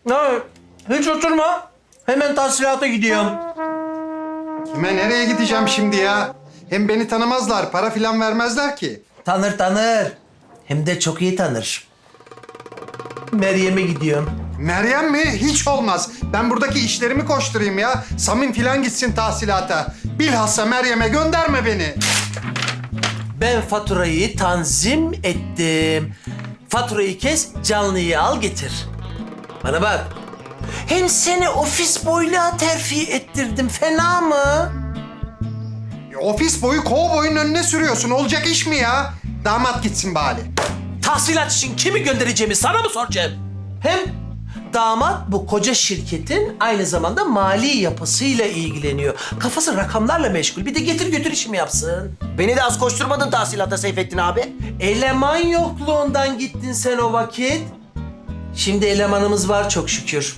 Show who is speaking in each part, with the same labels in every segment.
Speaker 1: Ya, hiç oturma. Hemen tahsilata gidiyorum.
Speaker 2: Kime nereye gideceğim şimdi ya? Hem beni tanımazlar, para filan vermezler ki.
Speaker 1: Tanır. Hem de çok iyi tanır. Meryem'e gidiyorum.
Speaker 2: Meryem mi? Hiç olmaz. Ben buradaki işlerimi koşturayım ya. Samim filan gitsin tahsilata. Bilhassa Meryem'e gönderme beni.
Speaker 1: Ben faturayı tanzim ettim. Faturayı kes, canlıyı al getir. Bana bak. Hem seni ofis boyluğa terfi ettirdim. Fena mı?
Speaker 2: Ofis boyu kovboyun önüne sürüyorsun. Olacak iş mi ya? Damat gitsin bari.
Speaker 1: Tahsilat için kimi göndereceğimi sana mı soracağım? Hem damat bu koca şirketin aynı zamanda mali yapısıyla ilgileniyor. Kafası rakamlarla meşgul. Bir de getir götür işimi yapsın.
Speaker 3: Beni de az koşturmadın tahsilata Seyfettin abi.
Speaker 1: Eleman yokluğundan gittin sen o vakit. Şimdi elemanımız var çok şükür.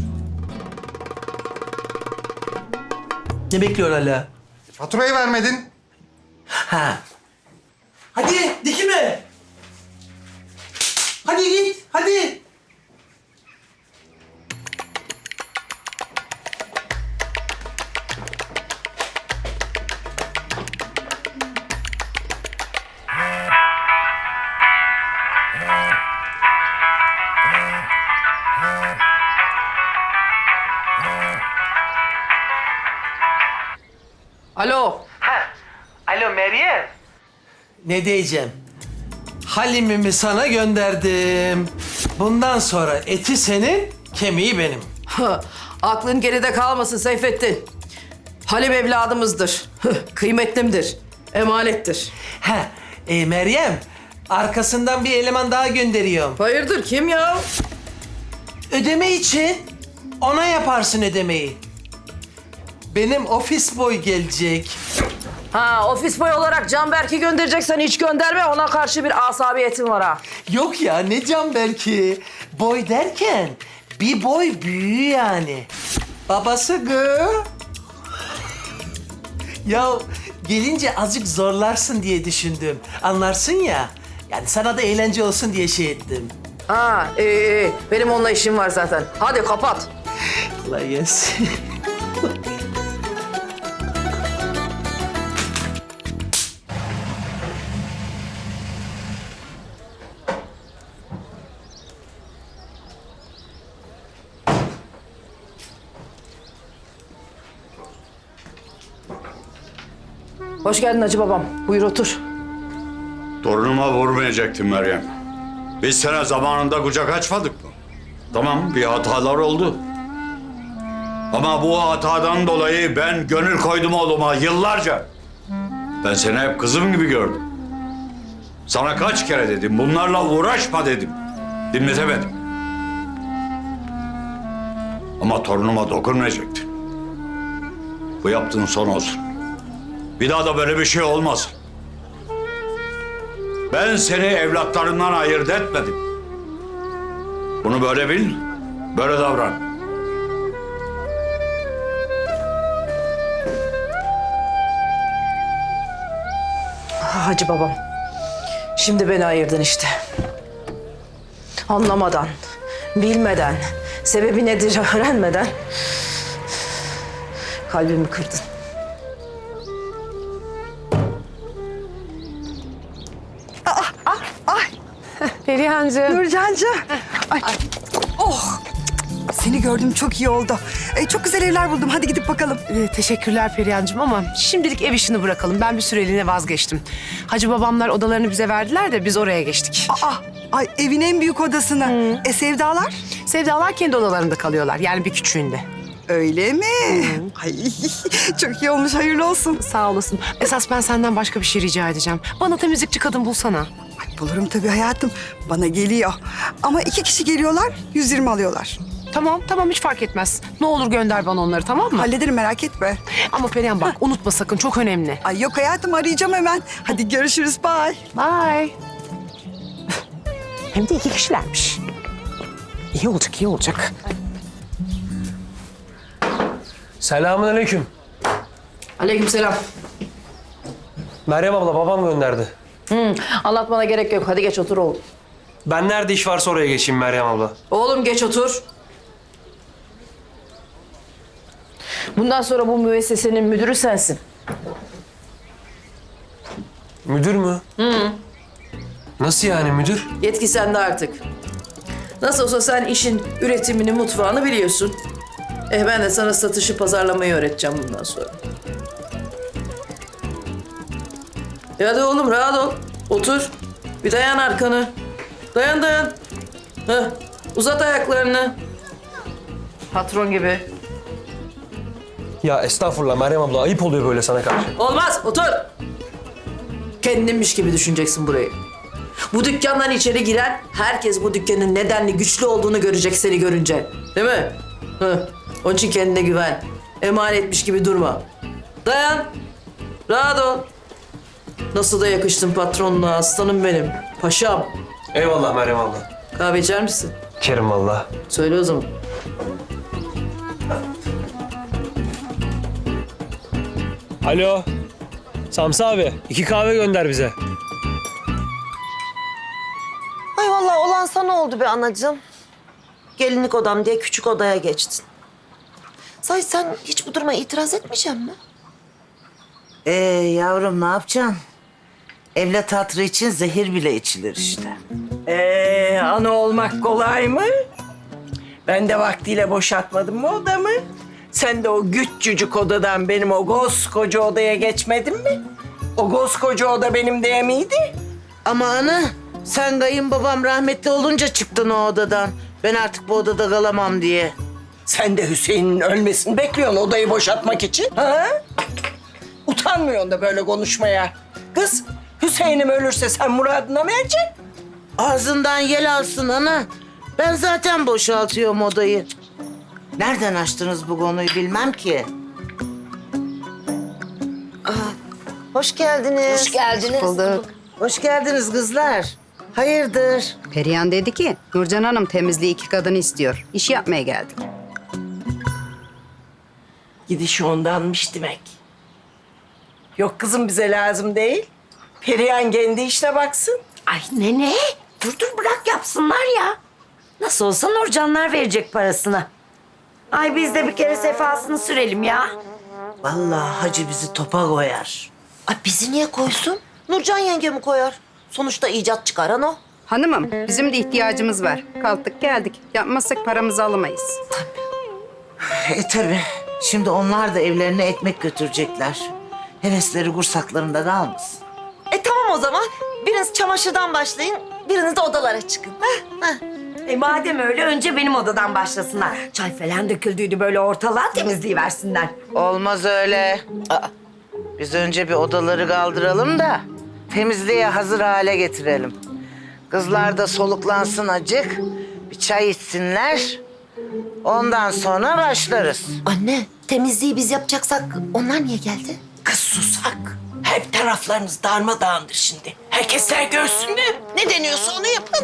Speaker 1: Ne bekliyorsun hala?
Speaker 2: Faturayı vermedin.
Speaker 1: Ha. Hadi dikime. Hadi git, hadi.
Speaker 4: Alo.
Speaker 1: Alo Meryem. Ne diyeceğim? Halimimi sana gönderdim. Bundan sonra eti senin, kemiği benim.
Speaker 4: Aklın geride kalmasın Seyfettin. Halim evladımızdır. Kıymetlimdir. Emanettir.
Speaker 1: Meryem, arkasından bir eleman daha gönderiyorum.
Speaker 4: Hayırdır kim ya?
Speaker 1: Ödeme için ona yaparsın ödemeyi. Benim ofis boy gelecek.
Speaker 4: Ha ofis boy olarak Canberk'i göndereceksen hiç gönderme. Ona karşı bir asabiyetim var ha.
Speaker 1: Yok ya ne can belki. Boy derken bir boy büyüğü yani. Babası gı. Ya gelince azıcık zorlarsın diye düşündüm. Anlarsın ya. Yani sana da eğlence olsun diye şey ettim.
Speaker 4: Ha iyi. Benim onunla işim var zaten. Hadi kapat.
Speaker 1: Kolay gelsin.
Speaker 4: Hoş geldin Hacı babam. Buyur otur.
Speaker 5: Torunuma vurmayacaktım Meryem. Biz sana zamanında kucak açmadık mı? Tamam, bir hatalar oldu. Ama bu hatadan dolayı ben gönül koydum oğluma yıllarca. Ben seni hep kızım gibi gördüm. Sana kaç kere dedim, bunlarla uğraşma dedim. Dinletemedim. Ama torunuma dokunmayacaktın. Bu yaptığın son olsun. Bir daha da böyle bir şey olmasın. Ben seni evlatlarından ayırt etmedim. Bunu böyle bil, böyle davran.
Speaker 4: Hacı babam. Şimdi beni ayırdın işte. Anlamadan, bilmeden, sebebi nedir öğrenmeden kalbimi kırdın.
Speaker 6: Perihancığım.
Speaker 7: Nurcancığım. Ay. Oh. Seni gördüm çok iyi oldu. Çok güzel evler buldum. Hadi gidip bakalım.
Speaker 6: Teşekkürler Perihancığım ama şimdilik ev işini bırakalım. Ben bir süreliğine vazgeçtim. Hacı babamlar odalarını bize verdiler de biz oraya geçtik.
Speaker 7: Ay evin en büyük odasına. Sevdalar?
Speaker 6: Sevdalar kendi odalarında kalıyorlar. Yani bir küçüğünde.
Speaker 7: Öyle mi? Ay çok iyi olmuş. Hayırlı olsun.
Speaker 6: Sağ olasın. Esas ben senden başka bir şey rica edeceğim. Bana temizlikçi kadın bulsana.
Speaker 7: Ay, bulurum tabii hayatım. Bana geliyor. Ama 2 kişi geliyorlar, 120 alıyorlar.
Speaker 6: Tamam hiç fark etmez. Ne olur gönder bana onları tamam mı?
Speaker 7: Hallederim merak etme.
Speaker 6: Ama Perihan bak unutma sakın çok önemli.
Speaker 7: Ay yok hayatım arayacağım hemen. Hadi görüşürüz. Bye.
Speaker 6: Bye. Hem de 2 kişilermiş. İyi olacak, iyi olacak.
Speaker 1: Selamünaleyküm.
Speaker 4: Aleykümselam.
Speaker 8: Meryem abla babam gönderdi.
Speaker 4: Anlatmana gerek yok. Hadi geç otur oğlum.
Speaker 8: Ben nerede iş varsa oraya geçeyim Meryem abla.
Speaker 4: Oğlum geç otur. Bundan sonra bu müessesenin müdürü sensin.
Speaker 8: Müdür mü? Nasıl yani müdür?
Speaker 4: Yetki sende artık. Nasıl olsa sen işin üretimini, mutfağını biliyorsun. Ben de sana satışı, pazarlamayı öğreteceğim bundan sonra. Hadi oğlum rahat ol. Otur. Bir dayan arkanı. Dayan dayan. Heh. Uzat ayaklarını. Patron gibi.
Speaker 8: Ya estağfurullah Meryem abla, ayıp oluyor böyle sana karşı.
Speaker 4: Olmaz, otur. Kendinmiş gibi düşüneceksin burayı. Bu dükkandan içeri giren herkes bu dükkanın nedenli güçlü olduğunu görecek seni görünce. Değil mi? Hı. Onun için kendine güven. Emanetmiş gibi durma. Dayan. Rahat ol. Nasıl da yakıştın patronla aslanım benim. Paşam.
Speaker 8: Eyvallah Meryem abla.
Speaker 4: Kahve içer misin?
Speaker 8: Kerim valla.
Speaker 4: Söyle o zaman.
Speaker 8: Alo. Samsa abi, 2 kahve gönder bize.
Speaker 9: Ay vallahi olan sana oldu be anacığım. Gelinlik odam diye küçük odaya geçtin. Sahi sen hiç bu duruma itiraz etmeyecek mi?
Speaker 10: Yavrum ne yapacaksın? Evlat hatırı için zehir bile içilir işte.
Speaker 11: Ana olmak kolay mı? Ben de vaktiyle boşaltmadım mı odamı? Sen de o küçücük odadan benim o koskoca odaya geçmedin mi? O koskoca oda benim diye miydi?
Speaker 10: Ama ana sen kayınbabam rahmetli olunca çıktın o odadan. Ben artık bu odada kalamam diye.
Speaker 11: Sen de Hüseyin'in ölmesini bekliyorsun odayı boşaltmak için. Ha? Utanmıyorsun da böyle konuşmaya. Kız, Hüseyin'im ölürse sen muradına mı ereceksin?
Speaker 10: Ağzından yel alsın ana. Ben zaten boşaltıyorum odayı. Nereden açtınız bu konuyu bilmem ki.
Speaker 9: Hoş geldiniz.
Speaker 7: Hoş geldiniz. Bulduk.
Speaker 10: Hoş geldiniz kızlar. Hayırdır?
Speaker 7: Perihan dedi ki Nurcan Hanım temizliği 2 kadını istiyor. İş yapmaya geldik.
Speaker 11: Gidiş ondanmış demek. Yok kızım bize lazım değil. Perihan kendi işine baksın.
Speaker 12: Ay nene, dur bırak yapsınlar ya. Nasıl olsa Nurcanlar verecek parasını. Ay biz de bir kere sefasını sürelim ya.
Speaker 10: Vallahi hacı bizi topa koyar.
Speaker 9: Ay bizi niye koysun? Nurcan yengemi koyar. Sonuçta icat çıkaran o.
Speaker 7: Hanımım bizim de ihtiyacımız var. Kalktık geldik. Yapmazsak paramızı alamayız.
Speaker 10: Tabii. Şimdi onlar da evlerine ekmek götürecekler. Hevesleri kursaklarında kalmasın.
Speaker 9: Tamam o zaman. Biriniz çamaşırdan başlayın, biriniz de odalara çıkın.
Speaker 12: Madem öyle önce benim odadan başlasınlar. Çay falan döküldüydü böyle ortalığa temizliği versinler.
Speaker 10: Olmaz öyle. Biz önce bir odaları kaldıralım da temizliğe hazır hale getirelim. Kızlar da soluklansın acık. Bir çay içsinler. Ondan sonra başlarız.
Speaker 9: Anne, temizliği biz yapacaksak onlar niye geldi?
Speaker 11: Kız susak. Hep taraflarınız darmadağındır şimdi. Herkesler görsün mü? Ne deniyorsa onu yapın.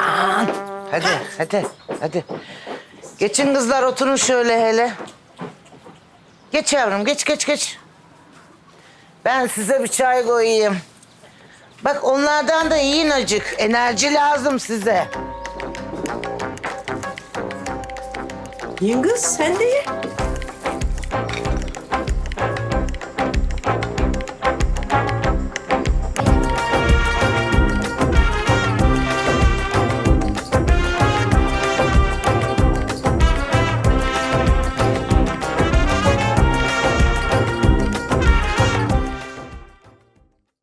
Speaker 10: Hadi. Geçin kızlar oturun şöyle hele. Geç yavrum geç. Ben size bir çay koyayım. Bak onlardan da yiyin acık. Enerji lazım size.
Speaker 11: Yiyin kız sen de ye.